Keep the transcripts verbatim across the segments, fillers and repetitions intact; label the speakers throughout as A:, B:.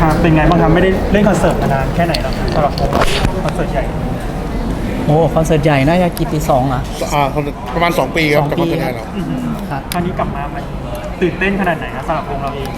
A: ครับเป็นไงบ้างครับไม่ได้เล่นคอนเสิร์ตมานานแค่ไหนแล้วสำหรับผมคอนเสิร์ตใหญ่
B: โอ้คอนเสิร์ตใหญ่น่าจะกี่ปีสองอ่ะ
C: อ่าประมาณสองปีครับ
B: สอง
C: จาก
B: ปี
C: คอนเสิร์ตใหญ่เรา
B: ครับ
A: คราวนี้กลับมามันตื่นเต้นขนาดไหนครับสำหรับวงเราเอง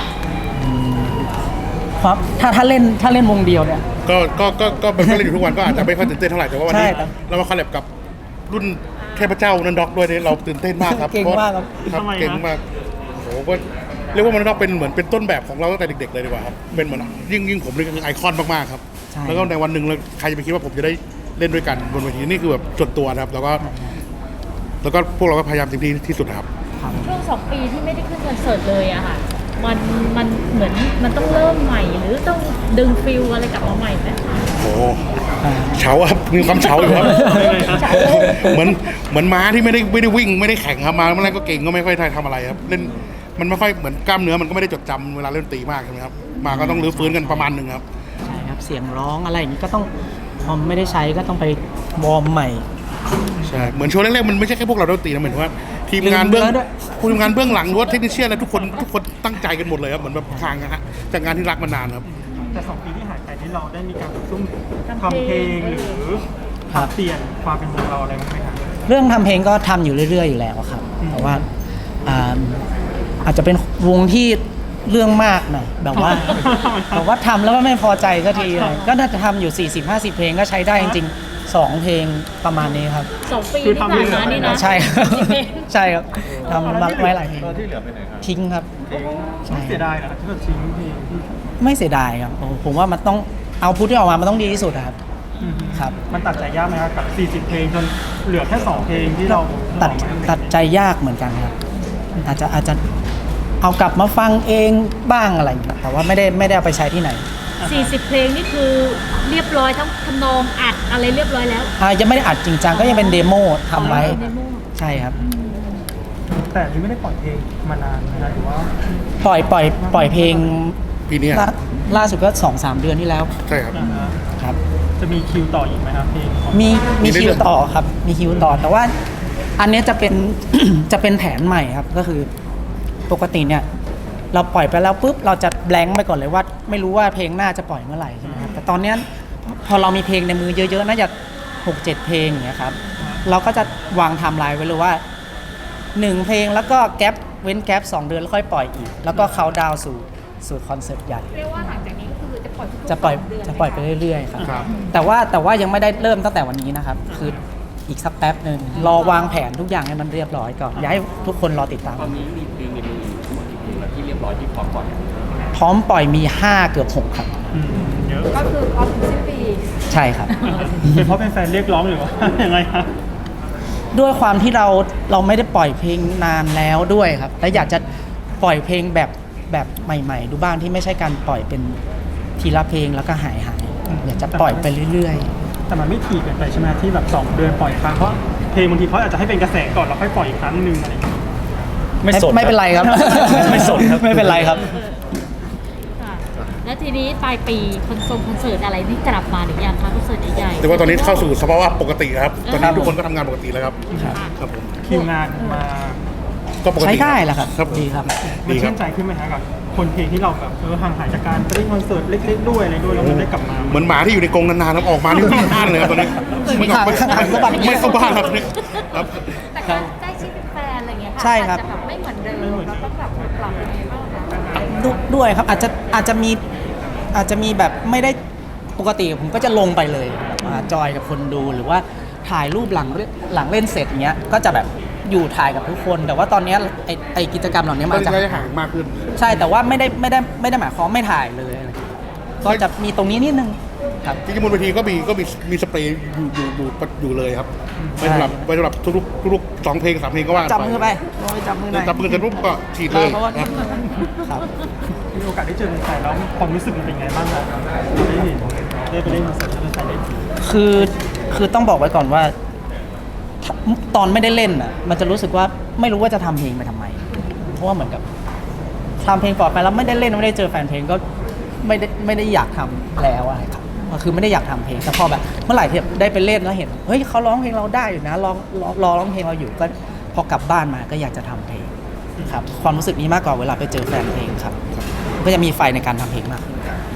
B: ครับถ้าถ้าเล่นถ้าเล่นวงเดียวเนี่ย
C: ก็ก็ก็ก็เป็นเล่นอยู่ทุกวันก็อาจจะไม่ค่อยตื่นเต้นเท่าไหร่แต่ว่าวันนี้
B: ใช่ครับ
C: เรามาคอลแลบกับรุ่นเทพเจ้านันด็อกด้วยเนี่ยเราตื่นเต้นมากครับ
B: เก่งมากครับ
C: ครับเก่งมากโอ้โหก็เรียกว่ามันต้องเป็นเหมือนเป็นต้นแบบของเราตั้งแต่เด็กๆเลยดีกว่าครับเป็นเหมือนยิ่งยิ่งผมนี่คือไอคอนมากๆครับ
B: ใช่
C: แล้วก็ในวันหนึ่งเราใครจะไปคิดว่าผมจะได้เล่นด้วยกันบนเวทีนี่คือแบบส่วนตัวนะครับแล้วก็แล้วก็พวกเราก็พยายามเต็มที่ที่สุดนะครับ
D: ช่วงสองปีที่ไม่ได้ขึ้นคอนเสิร์ตเลยอะค่ะมันมันเหมือนมันต้องเริ่มใหม่หรือต้องดึงฟิลอะไรกลับมาใหม่ไหม
C: โอ้โหเฉาครับมีความเฉาอยู่ครับ เหมือนเหมือนม้าที่ไม่ได้ไม่ได้วิ่งไม่ได้แข่งครับมาเมื่อไรก็เก่งก็ไม่ค่อยทำอะไรครับเล่นมันไม่ค่อยเหมือนกล้ามเนื้อมันก็ไม่ได้จดจำเวลาเล่นดนตรีมากใช่ไหมครับมาก็ต้องรื้อฟื้นกันประมาณหนึ่งครับ
B: ใช่ครับเสียงร้องอะไรอย่างนี้ก็ต้องพอไม่ได้ใช้ก็ต้องไปวอร์มใหม่
C: ใช่เหมือนโชว์แรกๆมันไม่ใช่แค่พวกเราดนตรีนะเหมือนว่าทีมงานเบื้อง
B: ลืมเนื้อด้วย
C: ทีมงานเบื้องหลังหรือว่าเทคนิคเชียนอะไรทุกคนทุกคนตั้งใจกันหมดเลยครับเหมือนแบบทางนะฮะจากงานที่รักมานานครับ
A: แต่สองปีที่หายไปที่เราได้มีการซุ่มทำเพลงหรือปรับเปลี่ยนความเป็นวงเราอะไรบ้างไหมครับ
B: เรื่องทำเพลงก็ทำอยู่เรื่อยๆอยู่แล้วครับแต่ว่าอ่าอาจจะเป็นวงที่เรื่องมากหน่อยแบบว่า แบบว่าทำแล้วก็ไม่พอใจสักทีเลยก็น่าจะทำอยู่ สี่สิบห้าสิบ เพลงก็ใช้ได้จริงๆสองเพลงประมาณนี้ครับ
D: สองปีที่ผ่านมานี่นะ
B: ใช่ครับ
D: เพลง
B: ใช่ครับทำมาไว้หลายเพลง
E: ที่เหลือไปไหนครับ
B: ทิ้งครับใช่
A: เสียดายนะที่แบบทิ้งเพลงที่
B: ไม่เสียดายครับโอ้ผมว่ามันต้องเอาพุทที่ออกมามันต้องดีที่สุดอะครับ
A: อืม
B: ครับ
A: มันตัดใจยากไหมครับกับสี่สิบเพลงจนเหลือแค่สองเพลงที่เรา
B: ตัด
A: บอกมา
B: ตัดใจยากเหมือนกันครับอาจจะอาจจะเอากลับมาฟังเองบ้างอะไรอย่างเงี้ยแต่ว่าไม่ได้ไม่ได้เอาไปใช้ที่ไหน
D: สี่สิบเพลงนี่คือเรียบร้อยทั้งทำนองอัดอะไรเรียบร้อยแล้ว
B: อ่ายังไม่ได้อัดจริงจังก็ยังเป็นเดโมทำไว้
D: เดโม
B: ใช่ครับ
A: แต่ที่ไม่ได้ปล่อยเพลงมานานนะหรือว่า
B: ปล่อยปล่อยปล่อยเพลง
C: ปีนี้
B: ล่าล่าสุดก็สองสามเดือนที่แล้ว
C: ใช่ครับ
A: อ่าฮะ
B: ครับ
A: จะมีคิวต่ออีกไหมครับเพลงของ
B: มีมี
C: มีเรื่อยๆ
B: คิวต่อครับ มีคิวต่อแต่ว่าอันเนี้ยจะเป็น จะเป็นแผนใหม่ครับก็คือปกติเนี่ยเราปล่อยไปแล้วปุ๊บเราจะแบงค์ไปก่อนเลยว่า ไม่รู้ว่าเพลงหน้าจะปล่อยเมื่อไหร่ใช่ไหมครับแต่ตอนเนี้ยพอเรามีเพลงในมือเยอะๆน่าจะหกเจ็ดเพลงอย่างเงี้ยครับเราก็จะวางไทม์ไลน์ไว้เลยว่าหนึ่งเพลงแล้วก็แกปเว้นแกปสองเดือนแล้วค่อยปล่อยอีก แล้วก็เขาดาวน์สู่สู่คอนเสิร์ตใหญ่
D: เรียกว่าหลังจากนี้ก็คือจะปล่อยทุกๆ
B: จะปล่อย
D: สงเดืน
B: จะปล่อยไปเรื่อยๆครับ
C: ครับ
B: แต่ว่าแต่ว่ายังไม่ได้เริ่มตั้งแต่วันนี้นะครับ คืออีกสักแป๊บหนึ่งรอวางแผนทุกอย่างให้มันเรียบร้อยก่อนอยากให้ทุกคนรอติดตาม
E: ตอนนี้มีเพลงในมือทั้งหมดกี่เพลงแล้วที่เรียบร้อยที่พร้อมปล่อย
B: พร้อมปล่อยมีห้าเกือบหกครับ
A: อืมเยอะ
D: ก็คือพร้อมถึงสิ้นปี
B: ใช่ครับ
A: เป็นเพราะเป็นแฟนเรียกร้องหรือว่า ยังไงครับ
B: ด้วยความที่เราเราไม่ได้ปล่อยเพลงนานแล้วด้วยครับและอยากจะปล่อยเพลงแบบแบบใหม่ๆ ดูบ้างที่ไม่ใช่การปล่อยเป็นทีละเพลงแล้วก็หายหายอยากจะปล่อยไปเรื่อย
A: แต่มันไม่ถี่เกินไปใช่ไหมที่แบบสองเดือนปล่อยครั้งเพราะเพลงบางทีเขาอาจจะให้เป็นกระแสก่อนแล้วค่อยปล่อยอีกครั้งหนึ่งอะไรอย่างเงี้ย
B: ๆไม่ไม่เป็นไรครับ
A: ไม่สนครับ
B: ไม่เป็นไรครับ
D: ค่ะแล้วทีนี้ปลายปีคอนเสิร์ตคอนเสิร์ตอะไรนี่กลับมาหรือยังคะคอนเสิร์ตใหญ่ๆ
C: แต่ว่าตอนนี้เข้าสู่สภาวะปกติครับตอน
B: ครั
C: นี้
B: บ
C: ทุกคนก็ทำงานปกติแล้วครับ
D: ค่ะ
C: ครับผม
A: คิวงานมา
C: ก็ปกติ
B: ใช้ได้แหละครับ
C: ครับ
B: ดีครับ
A: มัน
C: ดีครั
A: ชื่
C: บ
A: นใจขึ้นไหมฮะกับคนเพลงที่เราแบบเออห่างหายจากการไปเล่นคอนเสิร์ตเล็กๆด้วยอะไรด้วยแล้วมันได้กลับมา
C: เหมือนหมาที่อยู่ในกรงนานๆแล้วออกมานี่วิ่งบ้านเลยครับตอนนี้ไม่ออกไม่
B: ข้างๆเข้าบ้าน
C: ไม่เข้าบ้านครับนี่ครับ
D: แต่การได้ชื่อเป็นแฟนอะไรเงี้ยค่ะ
B: ใช่ครับ
D: อาจจะแบบไม่เหมือนเดิมเราต้องแบบปรับยังไงบ้างคะ
B: ดด้วยครับอาจจะอาจจะมีอาจจะมีแบบไม่ได้ปกติผมก็จะลงไปเลยแบบมาจอยกับคนดูหรือว่าถ่ายรูปหลังหลังเล่นเสร็จอย่างเงี้ยก็จะแบบอยู่ถ่ายกับทุกคน แต่ว่าตอนเนี้ยไอไอกิจกรรมเหล่านี้
C: ต
B: มั
C: อน
B: น
C: นี้
B: จะ
C: ก็จะห่างมากขึ้น
B: ใช่แต่ว่าไม่ได้ไม่ได้ไม่ได้หมายความไม่ถ่ายเลยอะไรก็จะมีตรงนี้นิดนึงครับ
C: จริงๆบนเวทีก็มีก็มีมีสเปรย์อยู่อยู่อยู่อยู่เลยครับไว้สำหรับไว้สำหรับทุกๆทุกๆสองเพลงสามเพลงก็ว่ากัน
B: จับมือไปลองไปจับมือหน่อย
C: จับมือกันปุ๊บก็ฉีดเลย
B: เพราะว่า
C: ครับ
B: ครับ
A: มีโอกาสได้เจอแฟนแล้วความรู้สึกมันเป็นไงบ้างครับได้เห็นได้ไปเล่นคอนเสิร์ตแล้วแฟนได้
B: คือคือต้องบอกไว้ก่อนว่า ตอนไม่ได้เล่นอ่ะมันจะรู้สึกว่าไม่รู้ว่าจะทำเพลงไปทำไม เพราะว่าเหมือนกับทำเพลงก่อนไปแล้วไม่ได้เล่นไม่ได้เจอแฟนเพลงก็ไม่ได้ไม่ได้อยากทำแล้วอะไรครับก็คือไม่ได้อยากทำเพลงแต่พอแบบเมื่อไหร่ที่ได้ไปเล่นแล้วเห็นเฮ้ยเขาร้องเพลงเราได้อยู่นะร้องรอรอร้องเพลงเราอยู่ก็พอกลับบ้านมาก็อยากจะทำเพลงครับความรู้สึกนี้มากกว่าเวลาไปเจอแฟนเพลงครับก็จะมีไฟในการทำเพลงมากขึ้น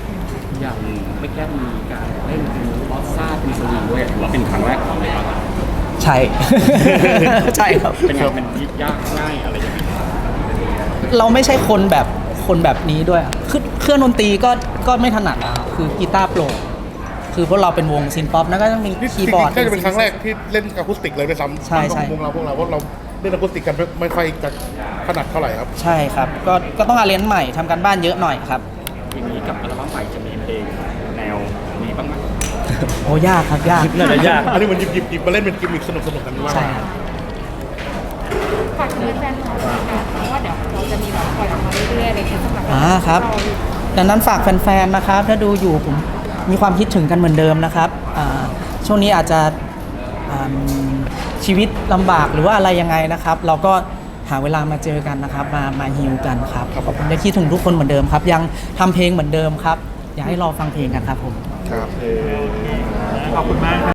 E: อย่างไม่แค่มีการเล่นเป็นบอสซ่าเป็นสวิงด้วยถือว่าเป็นครั้งแรกของเลยครับ
B: ใช่ ใช่ครับ
E: เป็นไงเป็นที่ยากง่ายอะไรอย่างเงี้ย
B: เราไม่ใช่คนแบบคนแบบนี้ด้วยอะคือเครื่องดนตรีก็ก็ไม่ถนัดอะคือกีตาร์โปร่งคือพวกเราเป็นวงซินป๊อปนะก็ต้องมี
C: นี่
B: คีย์บอร์ด
C: ก็จะเป็นครั้งแรกที่เล่นอะคูสติกเลยด้วยซ้ำ
B: ใช่ใช่
C: ของวงเราพวกเราเพราะเราเล่นอะคูสติกกันไม่ไม่ค่อยจะถนัดเท่าไหร่ครับ
B: ใช่ครับ ก็ก็ต้องอาเรียนใหม่ทำการบ้านเยอะหน่อยครับ
E: อย่างนี้กับอัลบั้มใหม่จะมีเพลงแนวนี้บ้างไหม
B: โอ้ยากครับยาก
E: น่าจะยาก
C: อันนี้มันหยิบหยิบหยิบมาเล่นเป็นกิมมิคสนุกสนุกกันว่า
B: ใช่ครับ
D: ฝากถึงแฟนๆของเราค่ะเพราะว่าเดี๋ยวเราจะมีแบบปล่อยออกมาเรื่อยๆอะไรอย่างเงี้ยสำหรับ
B: อ่าครับ ดังนั้นฝากแฟนๆนะครับถ้าดูอยู่ผมมีความคิดถึงกันเหมือนเดิมนะครับอ่าช่วงนี้อาจจะอ่าชีวิตลำบากหรือว่าอะไรยังไงนะครับ เราก็หาเวลามาเจอกันนะครับ มามาฮิวกันครับขอบคุณได้คิดถึงทุกคนเหมือนเดิมครับ ยังทำเพลงเหมือนเดิมครับ อยากให้รอฟังเพลงกันครับผม
C: ครับ
E: เออ